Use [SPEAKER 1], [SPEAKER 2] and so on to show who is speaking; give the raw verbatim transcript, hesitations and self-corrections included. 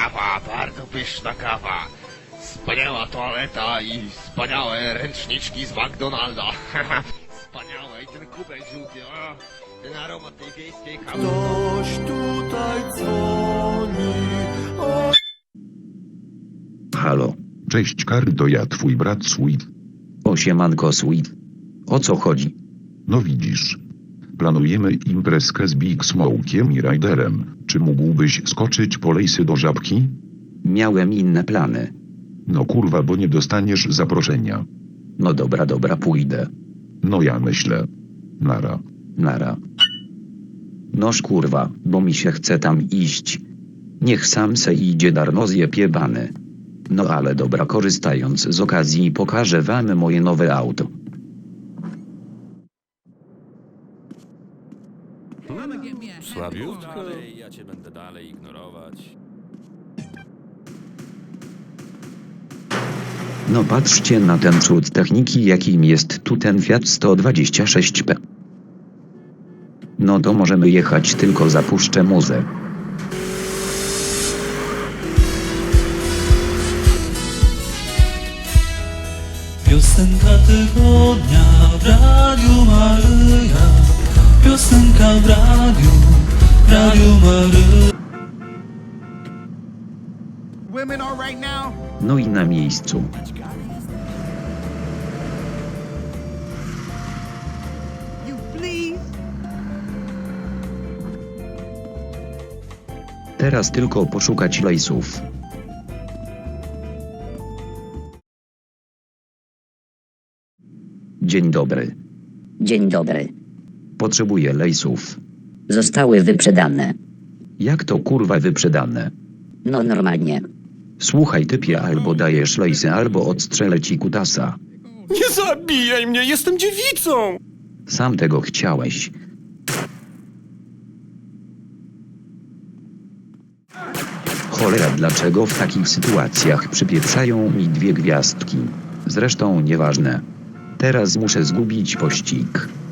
[SPEAKER 1] kawa, bardzo pyszna kawa. Wspaniała toaleta i wspaniałe ręczniczki z McDonalda. Wspaniałe i ten kubek żółty, o, ten aromat tej wiejskiej kawy.
[SPEAKER 2] Ktoś tutaj dzwoni. O...
[SPEAKER 3] Halo.
[SPEAKER 4] Cześć Kardo, ja twój brat Sweet.
[SPEAKER 3] O siemanko Sweet. O co chodzi?
[SPEAKER 4] No widzisz. Planujemy imprezkę z Big Smokiem i Ryderem. Czy mógłbyś skoczyć po lejsy do Żabki?
[SPEAKER 3] Miałem inne plany.
[SPEAKER 4] No kurwa, bo nie dostaniesz zaproszenia.
[SPEAKER 3] No dobra, dobra, pójdę.
[SPEAKER 4] No ja myślę. Nara.
[SPEAKER 3] Nara. Noż kurwa, bo mi się chce tam iść. Niech sam se idzie darmo zjebany. No ale dobra, korzystając z okazji pokażę wam moje nowe auto.
[SPEAKER 5] Słabiutko. Ja cię będę dalej ignorować.
[SPEAKER 3] No patrzcie na ten cud techniki, jakim jest tu ten Fiat sto dwadzieścia sześć P. No to możemy jechać, tylko zapuszczę muzę.
[SPEAKER 6] Piosenka tygodnia w Radiu Maryja. Piosenka w radiu, w Radiu Maryja.
[SPEAKER 1] Women are right now.
[SPEAKER 3] No i na miejscu.
[SPEAKER 1] You please.
[SPEAKER 3] Teraz tylko poszukać lejsów. Dzień dobry.
[SPEAKER 7] Dzień dobry.
[SPEAKER 3] Potrzebuję lejsów.
[SPEAKER 7] Zostały wyprzedane.
[SPEAKER 3] Jak to kurwa wyprzedane?
[SPEAKER 7] No normalnie.
[SPEAKER 3] Słuchaj typie, albo dajesz lejsy, albo odstrzelę ci kutasa.
[SPEAKER 2] Nie zabijaj mnie, jestem dziewicą!
[SPEAKER 3] Sam tego chciałeś. Cholera, dlaczego w takich sytuacjach przypieprzają mi dwie gwiazdki? Zresztą nieważne. Teraz muszę zgubić pościg.